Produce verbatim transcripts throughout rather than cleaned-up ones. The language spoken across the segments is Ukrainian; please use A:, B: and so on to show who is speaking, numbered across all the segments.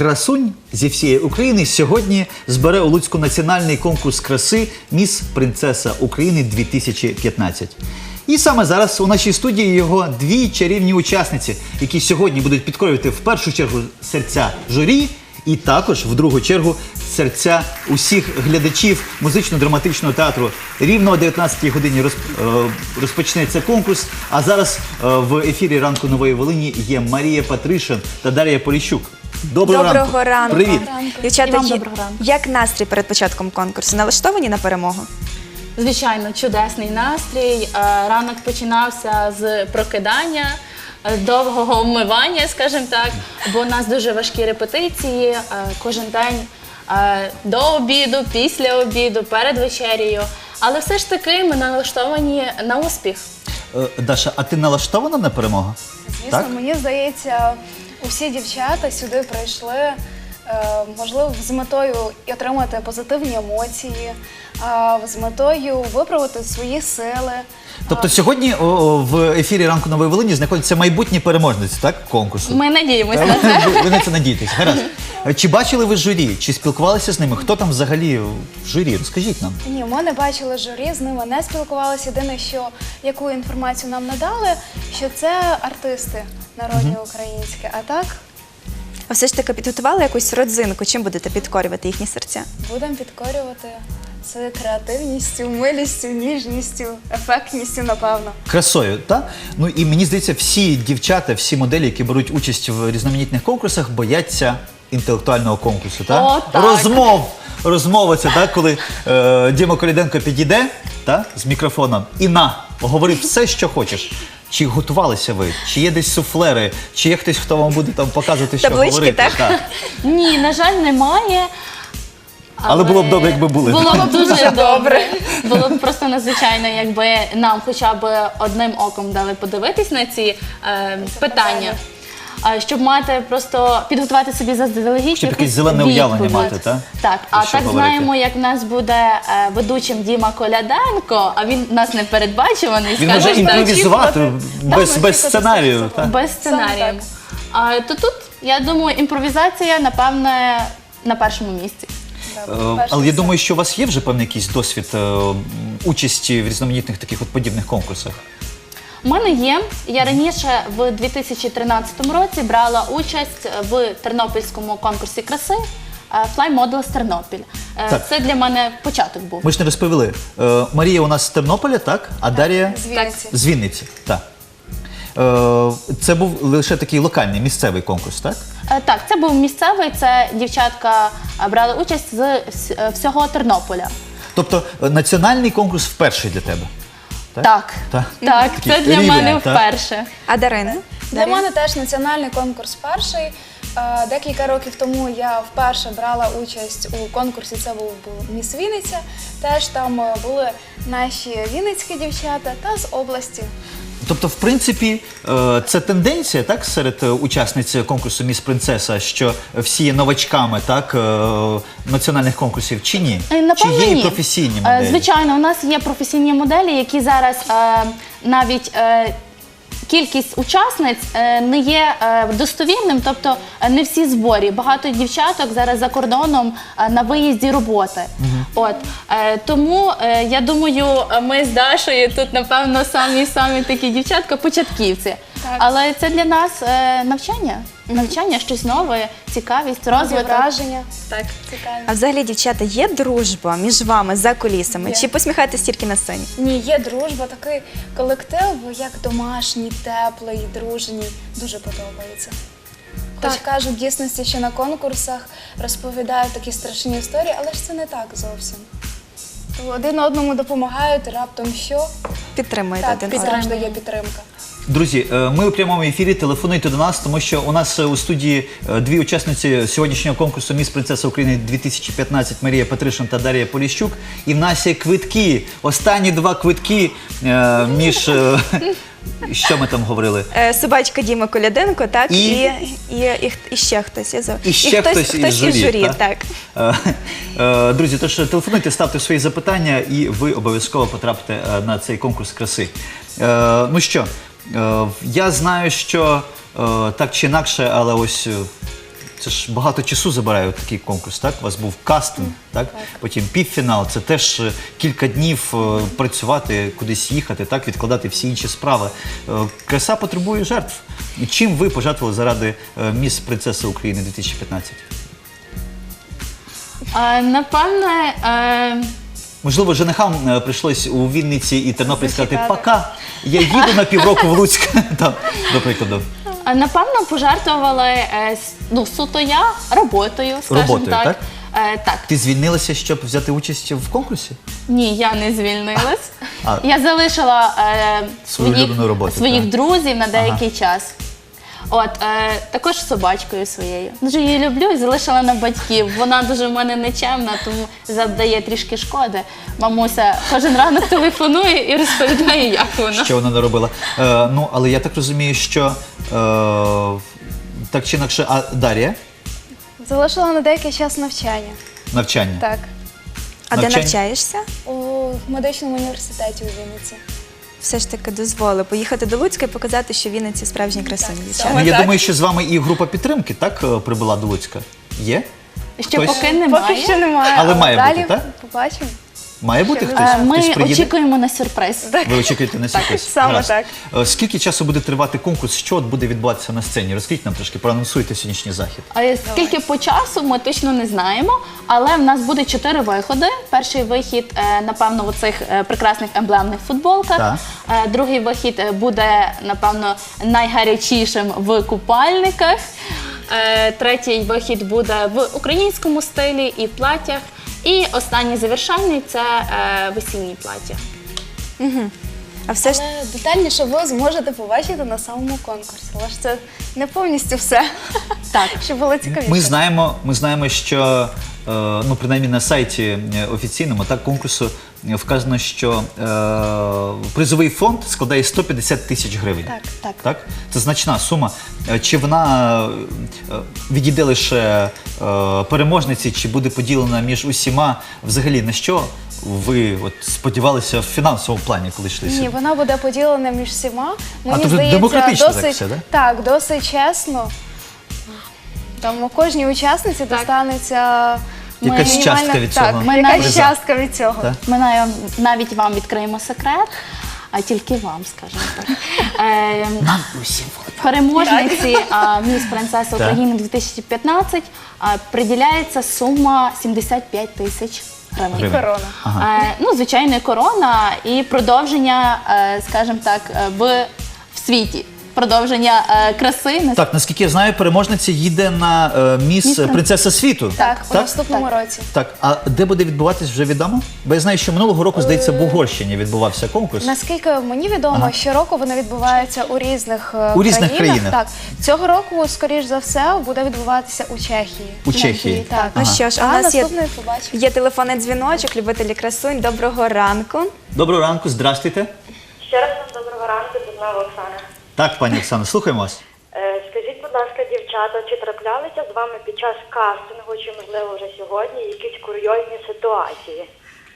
A: красунь зі всієї України сьогодні збере у Луцьку національний конкурс краси «Міс Принцеса України дві тисячі п'ятнадцять». І саме зараз у нашій студії його дві чарівні учасниці, які сьогодні будуть підкорювати в першу чергу серця журі і також в другу чергу серця усіх глядачів музично-драматичного театру. Рівно о дев'ятнадцятій годині розп... розпочнеться конкурс, а зараз в ефірі «Ранку Нової Волині» є Марія Патришин та Дар'я Поліщук. Доброго,
B: Доброго
A: ранку.
B: ранку.
A: Привіт.
B: Дівчата,
C: І вам доброго ранку.
B: як настрій перед початком конкурсу? Налаштовані на перемогу?
C: Звичайно, чудесний настрій. Е, Ранок починався з прокидання, е, довгого вмивання, скажімо так, бо у нас дуже важкі репетиції е, кожен день е, до обіду, після обіду, перед вечерею. Але все ж таки ми налаштовані на успіх.
A: Е, Даша, а ти налаштована на перемогу?
D: Звісно,
A: Так?
D: мені здається, усі дівчата сюди прийшли, е, можливо, з метою отримати позитивні емоції, е, з метою виправити свої сили.
A: Тобто сьогодні о, о, в ефірі «Ранку Нової Волині» знаходяться майбутні переможниці, так, конкурсу?
C: Ми надіємося на це.
A: Ви, ви на це надієтесь. Гаразд. Чи бачили ви журі? Чи спілкувалися з ними? Хто там взагалі в журі? Розкажіть нам.
D: Ні, ми не бачили журі, з ними не спілкувалися. Єдине, що яку інформацію нам надали, що це артисти народні українські. А так
B: А все ж таки підготували якусь родзинку? Чим будете підкорювати їхні серця?
D: будемо підкорювати це креативністю, милістю, ніжністю, ефектністю, напевно.
A: Красою, так? Ну і мені здається, всі дівчата, всі моделі, які беруть участь в різноманітних конкурсах, бояться інтелектуального конкурсу, так?
C: О, так.
A: Розмов! Розмова це, так, коли е, Діма Коляденко підійде, так, з мікрофоном і на, говори все, що хочеш. Чи готувалися ви? Чи є десь суфлери? Чи є хтось, хто вам буде там показувати, що
B: Таблички,
A: говорити?
B: так?
C: Ні, на жаль, немає.
A: Але було б добре, якби були.
C: Було б дуже добре. Було б просто надзвичайно, якби нам хоча б одним оком дали подивитись на ці е, питання. Е, Щоб мати просто підготувати собі заздалегідь.
A: Щоб якесь
C: якусь
A: зелене уявлення
C: відповідь.
A: мати, так?
C: Так,
A: Про
C: а
A: що
C: так
A: говорити?
C: знаємо, як в нас буде е, ведучим Діма Коляденко, а він у нас непередбачуваний,
A: Він може
C: скажімо так.
A: імпровізувати без, без
D: очікувати
A: сценарію.
D: все
A: Так?
C: Без сценарію.
D: так.
C: А, то тут, я думаю, імпровізація, напевне, на першому місці.
A: Е, Але я думаю, що у вас є вже певний якийсь досвід е, участі в різноманітних таких от подібних конкурсах.
C: У мене є. Я раніше в дві тисячі тринадцятому році брала участь в тернопільському конкурсі краси Fly Models Тернопіль. Е,
A: Так.
C: Це для мене початок був.
A: Ми ж не розповіли. Е, Марія у нас з Тернополя, так? А Дар'я
D: З Вінниці.
A: з Вінниці. Так. Е, Це був лише такий локальний, місцевий конкурс, так?
C: Е, Так, це був місцевий, це дівчатка е, брали участь з вс- е, всього Тернополя.
A: Тобто е, національний конкурс вперше для тебе? Так.
C: Так,
A: Так.
C: так,
A: Такий
C: це для
A: рівень,
C: мене
A: так?
C: вперше.
B: А Дарина?
D: Для мене теж національний конкурс перший. Е, Декілька років тому я вперше брала участь у конкурсі, це був був «Міс Вінниця». Теж там е, були наші вінницькі дівчата та з області.
A: Тобто, в принципі, е, це тенденція, так, серед е, учасниць конкурсу «Міс Принцеса», що всі є новачками, так, е, національних конкурсів, чи ні?
C: Е, Напевно,
A: чи є
C: ні.
A: і професійні
C: Е,
A: моделі?
C: Звичайно, у нас є професійні моделі, які зараз е, навіть е, кількість учасниць е, не є е, достовірним, тобто е, не всі зборі. Багато дівчаток зараз за кордоном е, на виїзді роботи. От е, тому е, я думаю, ми з Дашою тут, напевно, самі-самі такі дівчатка-початківці.
D: Так.
C: Але це для нас е, навчання, навчання, щось нове, цікавість,
D: Нові
C: розвиток.
D: враження.
C: Так.
D: Цікаві.
B: А взагалі, дівчата, є дружба між вами за кулісами?
D: Є.
B: Чи посміхаєтесь тільки на сцені?
D: Ні, є дружба, такий колектив, як домашній, теплий, дружній. Дуже подобається. Хоч кажуть, в дійсності, що на конкурсах розповідають такі страшні історії, але ж це не так зовсім. То один одному допомагають, раптом що?
B: Підтримуєте
D: Так,
B: один
D: підтримка,
B: одного?
D: є підтримка.
A: Друзі, е, ми у прямому ефірі, телефонуйте до нас, тому що у нас е, у студії е, дві учасниці сьогоднішнього конкурсу «Міс Принцеса України дві тисячі п'ятнадцять» Марія Патришин та Дар'я Поліщук. І в нас є квитки, останні два квитки е, між... е, що ми там говорили?
B: Е, Собачка Діма Коляденко, так?
A: І?
B: І, і, і, і ще хтось. Я забула.
A: І ще хтось,
B: хтось
A: із журі.
B: із журі,
A: так?
B: так.
A: Е, е, Друзі, тож телефонуйте, ставте свої запитання, і ви обов'язково потрапите е, на цей конкурс краси. Е, Ну що, е, я знаю, що е, так чи інакше, але ось е, це ж багато часу забирає от такий конкурс, так? У вас був кастинг, так? Потім півфінал, це теж е, кілька днів е, працювати, кудись їхати, так? Відкладати всі інші справи. Е, Краса потребує жертв. І чим ви пожертвували заради е, міс Принцеса України дві тисячі п'ятнадцять?
C: Е, Напевне, е,
A: Можливо, женихам е, прийшлось у Вінниці і Тернопіль сказати
D: Зачекати.
A: «Пока, я їду на півроку в Луцьк», там, до прикладу.
C: А, Напевно, пожертвували е, с- ну, суто я роботою, скажімо
A: Роботою,
C: так.
A: так?
C: Е, так.
A: Ти звільнилася, щоб взяти участь в конкурсі?
C: Ні, я не звільнилась.
A: А.
C: Я залишила е,
A: Свою
C: своїх,
A: улюблену роботу,
C: своїх
A: так.
C: друзів на деякий час. От, е, також з собачкою своєю. Дуже її люблю і залишила на батьків. Вона дуже в мене нечемна, тому завдає трішки шкоди. Мамуся кожен ранок телефонує і розповідає, як вона.
A: Що вона не робила? Е, ну, але я так розумію, що е, так чи інакше, а Дар'я?
D: Залишила на деякий час навчання.
A: Навчання.
D: Так.
B: А де
A: Навчання?
B: навчаєшся?
D: У медичному університеті у Вінниці.
B: Все ж таки дозволили поїхати до Луцька і показати, що в Вінниці справжні красуні
D: Так,
B: дівчата.
A: Ну, я
D: так.
A: думаю, що з вами і група підтримки, так, е, прибула до Луцька? Є?
C: Ще
A: Хтось?
C: поки немає.
D: Поки що немає,
A: Але має
D: далі
A: бути, так?
D: побачимо.
A: Має бути
D: Ще
A: хтось?
C: Е, Ми
A: Хтось приїде?
C: очікуємо на сюрприз.
A: Ви очікуєте на сюрприз?
D: саме
A: Гаразд.
D: так.
A: Е, Скільки часу буде тривати конкурс? Що от буде відбуватися на сцені? Розкажіть нам трошки, проанонсуйте сьогоднішній захід.
C: А скільки по часу ми точно не знаємо, але в нас буде чотири виходи. Перший вихід, е, напевно, в цих прекрасних емблемних футболках.
A: Так.
C: Е, Другий вихід е, буде, напевно, найгарячішим в купальниках. Е, Третій вихід буде в українському стилі і в платтях. І останній завершальний це е, весільні плаття.
B: А все ж
D: Але детальніше ви зможете побачити на самому конкурсі. Але ж це не повністю все.
C: Так.
D: Щоб було цікавіше.
A: Ми знаємо, ми знаємо, що е, ну принаймні на сайті е, офіційному так конкурсу е, вказано, що е, призовий фонд складає сто п'ятдесят тисяч гривень.
D: Так,
C: так.
A: Так? Це значна сума. Е, Чи вона е, відійде лише е, переможниці, чи буде поділена між усіма? Взагалі на що ви от сподівалися в фінансовому плані, коли йшли
D: Ні,
A: сюди?
D: вона буде поділена між всіма. Мені
A: тобто
D: здається,
A: демократично так
D: досить,
A: все, да?
D: так, досить чесно. Там у кожній учасниці достанеться
A: Якась
D: мінімальна-
A: частка від
D: так,
A: цього
C: Ми
D: якась
C: навіть-
D: частка від цього.
A: Так.
C: Ми навіть- навіть вам відкриємо секрет, а тільки вам, скажімо так. Е,
A: Нам усім.
C: Переможниці а, міс Принцеса України дві тисячі п'ятнадцять а, приділяється сума сімдесят п'ять тисяч гривень.
A: Гривень.
D: Корона.
A: Ага.
C: Е, ну, звичайно, корона і продовження, е, скажімо так, е, в, в світі. Продовження е, краси. на
A: Так, наскільки я знаю, переможниця їде на е, міс
C: Міс
A: Принцеса світу.
D: Так, у
A: так?
D: наступному році.
A: Так, а де буде відбуватись, вже відомо? Бо я знаю, що минулого року, здається, в Угорщині відбувався конкурс.
D: Наскільки мені відомо,
A: Ага.
D: щороку вони відбуваються у різних, е,
A: У різних країнах.
D: Так, цього року, скоріш за все, буде відбуватися у Чехії.
A: У Чехії.
D: Так.
B: ну що ж, у
D: А
B: нас є,
D: наступний побачимо.
B: є телефонний дзвіночок, любителі красунь. Доброго ранку.
A: Доброго ранку, здрастуйте.
E: Ще раз вам доброго ранку, Дубнова Оксана.
A: Так, пані Оксано, слухаємо вас.
E: Е, Скажіть, будь ласка, дівчата, чи траплялися з вами під час кастингу, чи можливо вже сьогодні, якісь курйозні ситуації?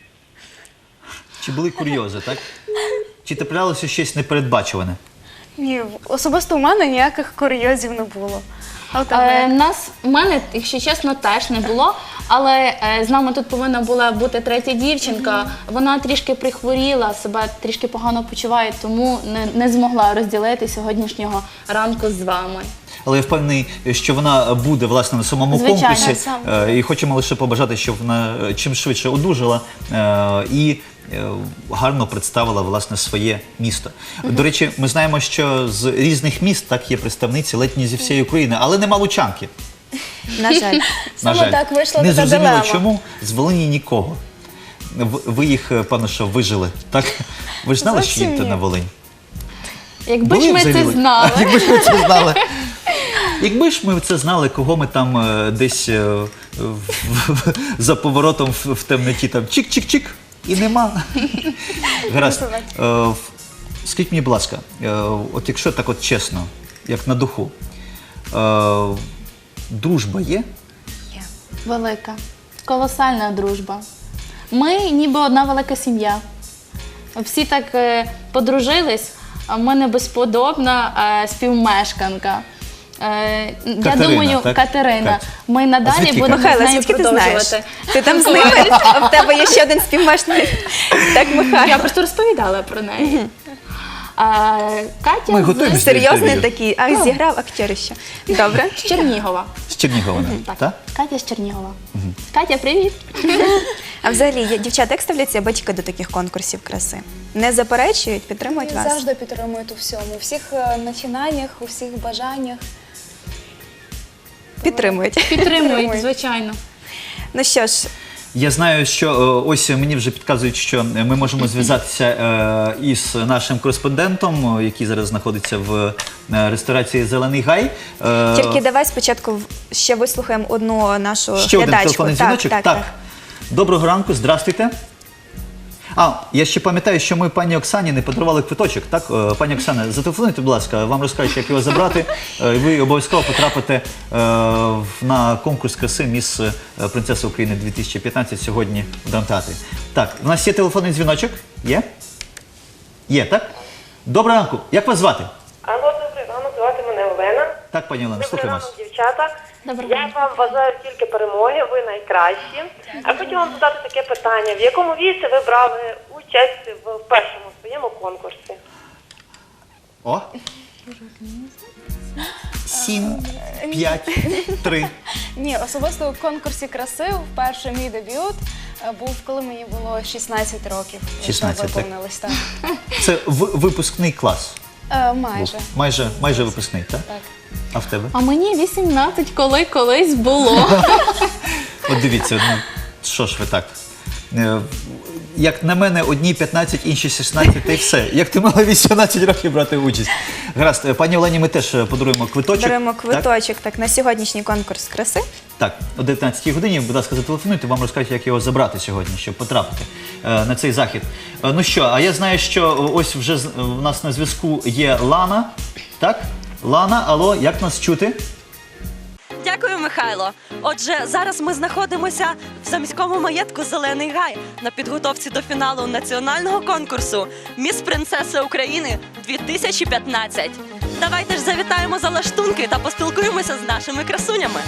A: Чи були курйози, так? Чи траплялося щось непередбачуване?
D: Ні, особисто у мене ніяких курйозів не було. А у тебе
C: Е,
D: як?
C: нас, у мене, якщо чесно, теж не було. Але е, з нами тут повинна була бути третя дівчинка. Вона трішки прихворіла, себе трішки погано почуває, тому не, не змогла розділити сьогоднішнього ранку з вами.
A: Але я впевнений, що вона буде власне на самому
C: Звичайно,
A: конкурсі.
D: саме.
A: Е, І хочемо лише побажати, щоб вона е, чим швидше одужала е, і е, гарно представила власне своє місто. До речі, ми знаємо, що з різних міст так є представниці ледь не зі всієї України, але нема лучанки.
B: На жаль.
A: На
D: Саме
A: жаль.
D: так вийшла
A: Не
D: така
A: зрозуміло,
D: дилема.
A: чому з Волині нікого. В- Ви їх, е, певно, що вижили, так? Ви ж знали, що
D: Зовсім
A: їдете
D: ні.
A: на Волинь?
C: Якби ж
A: Були
C: ми
A: взагалі?
C: це знали.
A: Якби ж ми це знали. Якби ж ми це знали, кого ми там е, десь е, в- в- за поворотом в, в темноті там чик-чик-чик і нема. Гаразд. Е, в- Скажіть мені, будь ласка, е, от якщо так от чесно, як на духу, е, дружба є?
C: Велика, колосальна дружба. Ми ніби одна велика сім'я. Всі так е, подружились, а в мене безподобна е, співмешканка. Е, я
A: Катерина,
C: думаю,
A: так?
C: Катерина.
A: Катя.
C: Ми
A: А
C: надалі
A: звідки
C: будемо з
B: Михайло,
C: нею
B: звідки ти знаєш?
C: продовжувати.
B: Ти там з ними, а в тебе є ще один співмешканий. Так, Михайло.
C: Я просто розповідала про неї. А, Катя
A: Ми
C: з-
A: готуємося.
B: Серйозний
A: інтерв'ю.
B: такий. Ах, зіграв актерище. Добре.
C: з Чернігова.
A: З Чернігова,
C: Так,
A: так?
C: Катя з Чернігова. Катя, привіт.
B: А взагалі, я- дівчата, як ставляться батьки до таких конкурсів краси? Не заперечують, підтримують
D: Вони
B: вас?
D: завжди підтримують у всьому, у всіх е, начинаннях, у всіх бажаннях.
B: Підтримують.
C: Підтримують,
D: Підтримують.
C: звичайно.
B: Ну що ж,
A: Я знаю, що е, ось мені вже підказують, що ми можемо зв'язатися е, із нашим кореспондентом, е, який зараз знаходиться в е, ресторації «Зелений гай». Е,
B: тільки давай спочатку в- ще вислухаємо одну нашу
A: Ще один
B: глядачку.
A: телефонний
B: Так,
A: дзвіночок.
B: так, так.
A: Доброго ранку, здрастуйте. А, я ще пам'ятаю, що ми пані Оксані не подарували квиточок. Так, Е, пані Оксана, зателефонуйте, будь ласка, вам розкажуть, як його забрати. Е, і ви обов'язково потрапите е, в- на конкурс краси «Міс е, Принцеса України дві тисячі п'ятнадцять» сьогодні в драмтеатрі. Так, у нас є телефонний дзвіночок? Є? Є, так? Доброго ранку. Як вас звати?
E: Алло, добрий ранок, звати мене Олена.
A: Так, пані Олена,
E: Добрий
A: слухаємо
E: ранок,
A: вас.
E: дівчата.
C: Доброго
E: Я
C: ранку.
E: вам бажаю тільки перемоги, ви найкращі. А хочу вам задати таке питання. В якому віці ви брали участь в першому своєму конкурсі?
A: О. Сім, п'ять, три.
D: Ні, особисто у конкурсі краси вперше мій дебют е, був, коли мені було шістнадцять років.
A: шістнадцять, так.
E: виповнилось, так.
A: Це в- випускний клас.
D: Е,
A: був.
D: майже.
A: Майже, майже випускний, так?
D: Так.
A: А в тебе?
C: А мені вісімнадцять, коли колись було.
A: От дивіться, ну, що ж ви так? Е, Як на мене, одні п'ятнадцять, інші шістнадцять, та й все. Як ти мала вісімнадцять років брати участь? Гаразд, е, пані Олені, ми теж е, подаруємо квиточок.
B: Беремо
A: Так?
B: квиточок так, на сьогоднішній конкурс краси.
A: Так, о дев'ятнадцятій годині, будь ласка, зателефонуйте, вам розкажуть, як його забрати сьогодні, щоб потрапити е, на цей захід. Е, ну що, а я знаю, що е, ось вже з- в нас на зв'язку є Лана. Так? Лана, алло, як нас чути?
F: Дякую, Михайло. Отже, зараз ми знаходимося в заміському маєтку «Зелений гай» на підготовці до фіналу національного конкурсу «Міс Принцеса України дві тисячі п'ятнадцять». Давайте ж завітаємо за лаштунки та поспілкуємося з нашими красунями.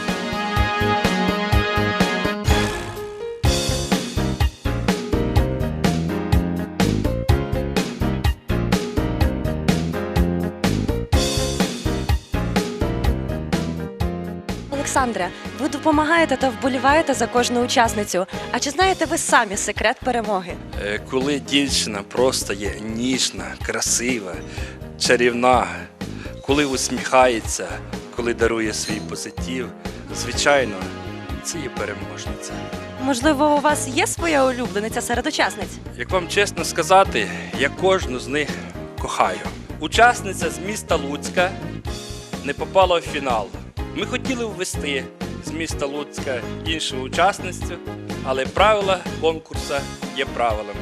F: Олександре, ви допомагаєте та вболіваєте за кожну учасницю. А чи знаєте ви самі секрет перемоги?
G: Е, Коли дівчина просто є ніжна, красива, чарівна, коли усміхається, коли дарує свій позитив, звичайно, це є переможниця.
F: Можливо, у вас є своя улюблениця серед учасниць?
G: Як вам чесно сказати, я кожну з них кохаю. Учасниця з міста Луцька не попала в фінал. Ми хотіли ввести з міста Луцька іншу учасницю, але правила конкурсу є правилами.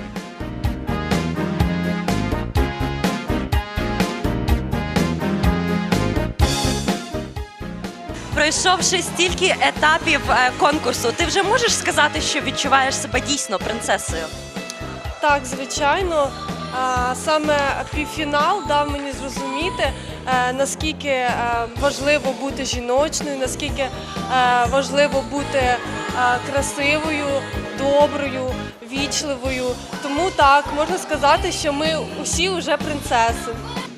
F: Пройшовши стільки етапів е, конкурсу, ти вже можеш сказати, що відчуваєш себе дійсно принцесою?
H: Так, звичайно. А, Саме півфінал дав мені зрозуміти, е, наскільки е, важливо бути жіночною, наскільки е, важливо бути е, красивою, доброю, вічливою. Тому так, можна сказати, що ми усі вже принцеси.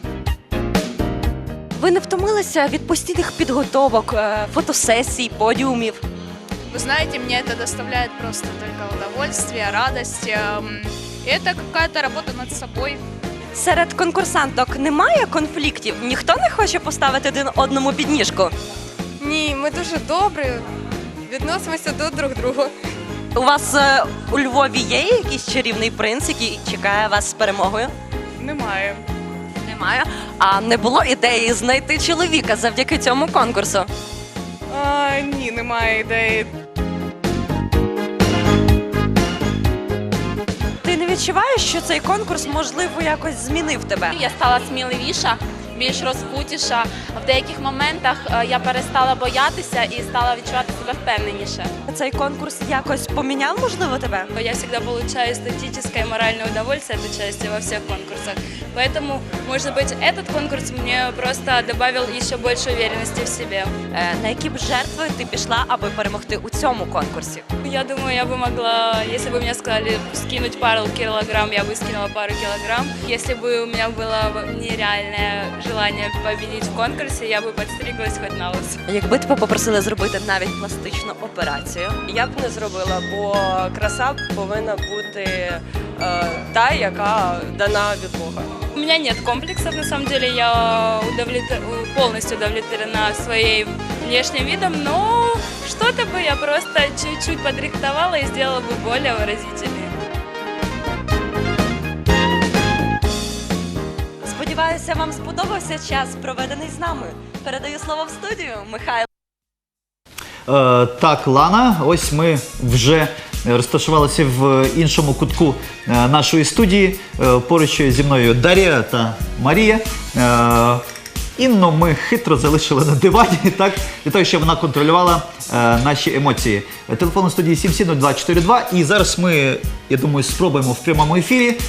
F: Ви не втомилися від постійних підготовок, е, фотосесій, подіумів?
I: Вы знаете, мне это доставляет просто только удовольствие, радость. эм, И это какая-то работа над собой.
F: Серед конкурсанток немає конфліктів? Ніхто не хоче поставити один одному підніжку?
H: Ні, ми дуже добрі, відносимося до друг друга.
F: У вас е, у Львові є якийсь чарівний принц, який чекає вас з перемогою?
I: Немає.
F: Немає. А не було ідеї знайти чоловіка завдяки цьому конкурсу?
I: А, ні, немає ідеї.
F: Ти не відчуваєш, що цей конкурс, можливо, якось змінив тебе?
C: Я стала сміливіша
J: більш розкутіша. В деяких моментах е, я перестала боятися і стала відчувати себе впевненіше.
F: Цей конкурс якось поміняв, можливо, тебе?
J: Я всегда получаю эстетическое и моральное удовольствие от участия во всех конкурсах. Поэтому, может быть, этот конкурс мне просто добавил еще больше уверенности в себе.
F: Е, На які б жертви ти пішла, аби перемогти у цьому конкурсі?
J: Я думаю, я бы могла, если бы мне сказали скинуть пару килограмм, я бы скинула пару килограмм. Если бы у меня было нереальное желание победить в конкурсе, я бы подстриглась хоть на лысо.
F: Якби тебе попросили зробити навіть пластичну операцію,
K: Я б не зробила, бо краса повинна бути е, та, яка дана від Бога.
J: У меня нет комплексов, на самом деле, я удовлетвор- полностью удовлетворена своим внешним видом, но что-то бы я просто чуть-чуть подрихтовала и сделала бы более выразительнее.
F: сподіваюся, вам сподобався час, проведений з нами. Передаю слово в студію, Михайло.
A: Е, так, Лана, ось ми вже розташувалися в іншому кутку е, нашої студії. Е, поруч зі мною Дар'я та Марія. Е, Інну ми хитро залишили на дивані, так, для того, щоб вона контролювала е, наші емоції. Телефон у студії сім сім нуль два чотири два. І зараз ми, я думаю, спробуємо в прямому ефірі е,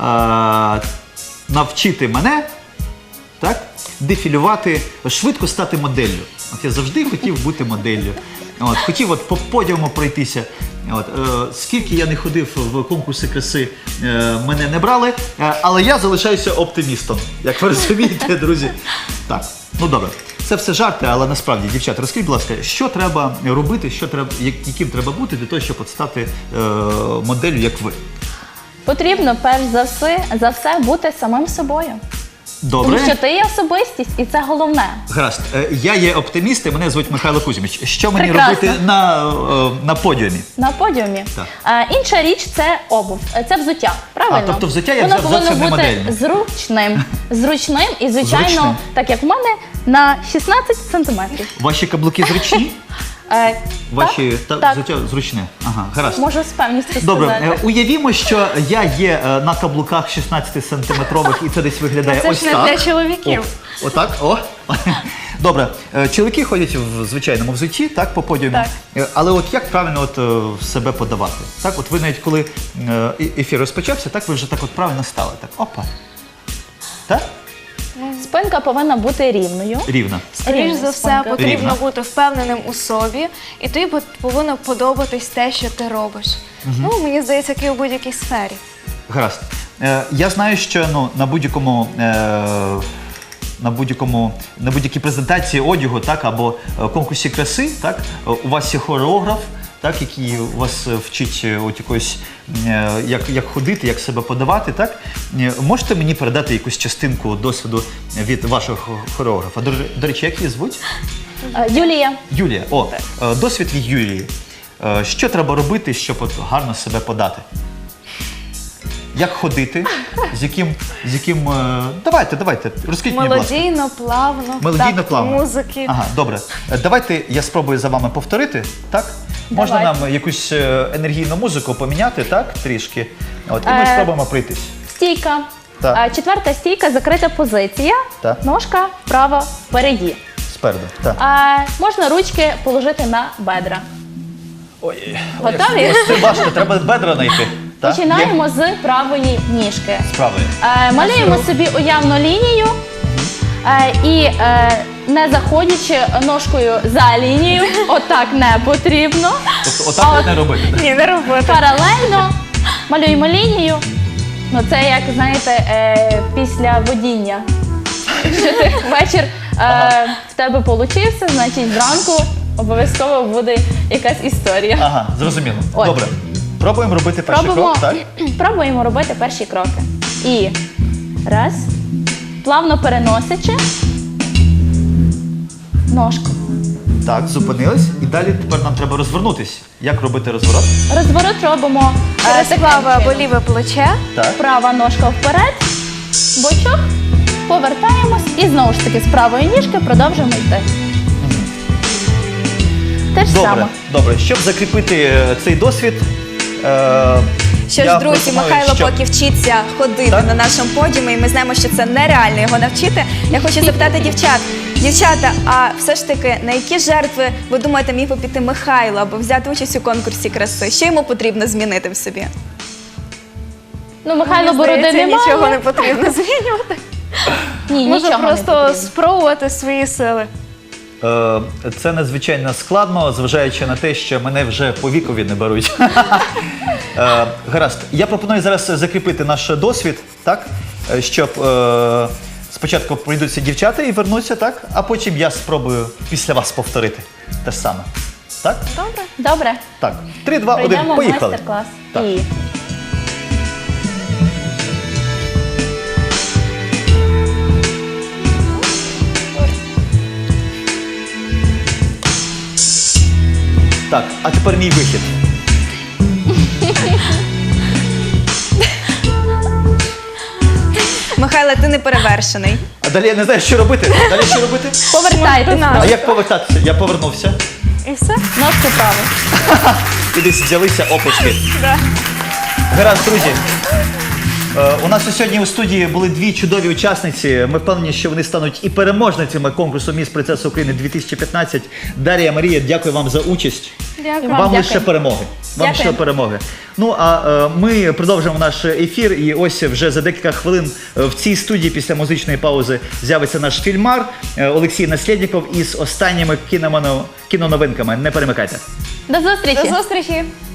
A: навчити мене, так, дефілювати, швидко стати моделлю. От я завжди хотів бути моделлю. От, хотів от по подіуму пройтися. От, е, скільки я не ходив в конкурси краси, е, мене не брали, е, але я залишаюся оптимістом, як ви розумієте, друзі. Так, ну добре. Це все жарти, але насправді, дівчата, розкажіть, будь ласка, що треба робити, що треба, як- яким треба бути для того, щоб от стати е, моделлю, як ви?
C: Потрібно перш за все, за все бути самим собою.
A: Добре.
C: Тому що ти є особистість, і це головне.
A: Гаразд. Е, Я є оптиміст, і мене звуть Михайло Кузьміч. Що мені
C: Прекрасно.
A: робити на, е, на подіумі?
C: На подіумі.
A: Так.
C: А, інша річ це обув. Це взуття. Правильно?
A: А, тобто взуття я
C: Воно
A: взяв зовсім
C: повинно
A: не
C: бути
A: модельне.
C: зручним. Зручним і, звичайно,
A: Зручним.
C: так як в мене, на шістнадцять сантиметрів.
A: Ваші каблуки зручні?
C: Е,
A: Ваші
C: так,
A: та,
C: так.
A: взуття зручне. Ага, гаразд.
C: Можу з певністю
A: Добре,
C: сказати.
A: е, уявімо, що я є е, на каблуках шістнадцятисантиметрових і це десь виглядає
B: Це
A: ось
B: ж не
A: так.
B: для чоловіків.
A: О, отак, о. Добре, е, чоловіки ходять в звичайному взутті, так, по подіуму.
C: Так.
A: Е, Але от як правильно от, е, себе подавати? Так, от ви навіть коли е, і- ефір розпочався, так ви вже так от правильно стали. Так, опа. Так?
C: Спинка повинна бути рівною.
A: Рівно.
B: Скоріш
C: Рівна
B: за все,
C: спинка.
B: потрібно
A: Рівна.
B: бути впевненим у собі, і тобі пот- повинно подобатись те, що ти робиш. Ну, мені здається, як і у будь-якій сфері.
A: Гаразд. Е, я знаю, що ну, на будь-якому е, на будь-якому на будь-якій презентації одягу, так, або е, конкурсі краси, так, е, у вас є хореограф, так, який вас е, вчить е, от якось, е, як, як ходити, як себе подавати. Так? Е, можете мені передати якусь частинку досвіду від вашого хо- хореографа? До, ре- до речі, як її звуть?
C: Е, Юлія,
A: Юлія. О, е, досвід від Юлії. Е, Що треба робити, щоб от гарно себе подати? Як ходити? З яким, з яким... е, Давайте, давайте, розкажіть мені, будь ласка.
B: Мелодійно, плавно,
A: Мелодійно,
B: такт
A: плавно.
B: музики.
A: Ага, добре. Е, Давайте я спробую за вами повторити, так? Можна
C: Давайте.
A: нам якусь е, енергійну музику поміняти, так, трішки? От, і ми
C: Е,
A: спробуємо пройтись.
C: стійка.
A: Так.
C: Е, Четверта стійка, закрита позиція.
A: Так.
C: Ножка вправо впереді.
A: Спереду, так.
C: Е, Можна ручки положити на бедра.
A: Ой,
C: Готові?
A: ось це важко, треба бедра знайти. Так? Є?
C: Починаємо з правої ніжки.
A: З правої.
C: Е, Малюємо собі уявну лінію е, і е, не заходячи ножкою за лінію, отак не потрібно.
A: Тобто отак
C: А
A: от не робити. так?
B: Ні, не робити.
C: Паралельно малюємо лінію. Ну, це як, знаєте, е, після водіння. Якщо ти вечір е, в тебе получився, значить зранку обов'язково буде якась історія.
A: Ага, зрозуміло.
C: От.
A: Добре. Пробуємо робити перший
C: Пробуємо,
A: крок, так?
C: пробуємо робити перші кроки. І раз, плавно переносячи ножку.
A: Так, зупинились. І далі тепер нам треба розвернутись. Як робити розворот?
C: Розворот робимо е,
B: Через праве
C: таким
B: або
C: чином.
B: ліве плече.
A: Так.
C: Права ножка вперед, бочок, повертаємось і знову ж таки з правої ніжки продовжуємо йти. Те ж
A: Добре,
C: саме.
A: добре. Щоб закріпити е, цей досвід, е,
L: Що
A: Я
L: ж, друзі,
A: пропоную,
L: Михайло
A: що-
L: поки вчиться ходити
A: Так?
L: на нашому подіумі, і ми знаємо, що це нереально його навчити. Я хочу запитати дівчат. Дівчата, а все ж таки, на які жертви, ви думаєте, міг би піти Михайло, аби взяти участь у конкурсі краси? Що йому потрібно змінити в собі?
C: Ну, Михайло бороди
B: Здається,
C: немає.
B: нічого не потрібно змінювати.
C: Ні,
B: Може
C: нічого не
B: просто
C: потрібно.
B: спробувати свої сили.
A: Е, Це надзвичайно складно, зважаючи на те, що мене вже по вікові не беруть. Е, Гаразд, я пропоную зараз закріпити наш досвід, так? Е, Щоб е, спочатку прийдуться дівчата і вернуться, так? А потім я спробую після вас повторити те ж саме. Так?
C: Добре.
A: Так. Три, два, один,
C: Пройдемо
A: поїхали.
C: майстер-клас.
A: Так.
C: І...
A: Так, а тепер мій вихід.
L: Михайло, ти не перевершений.
A: А далі я не знаю, що робити. Далі що робити?
C: Повертайтеся.
A: А як повертатися? Я повернувся.
B: І все.
C: Ножку праву.
A: І десь взялися оплески. Гаразд, друзі. Е, У нас сьогодні у студії були дві чудові учасниці. Ми впевнені, що вони стануть і переможницями конкурсу «Міс Принцеса України дві тисячі п'ятнадцять». Дар'я, Марія, дякую вам за участь.
B: Дякую.
A: Вам
C: дякую.
A: лише перемоги. Вам
C: Дякую.
A: лише перемоги. Ну а е, ми продовжимо наш ефір. І ось вже за декілька хвилин е, в цій студії після музичної паузи з'явиться наш фільмар е, Олексій Наслєдніков із останніми кіномано- кіноновинками. Не перемикайте.
C: До зустрічі.
B: До зустрічі.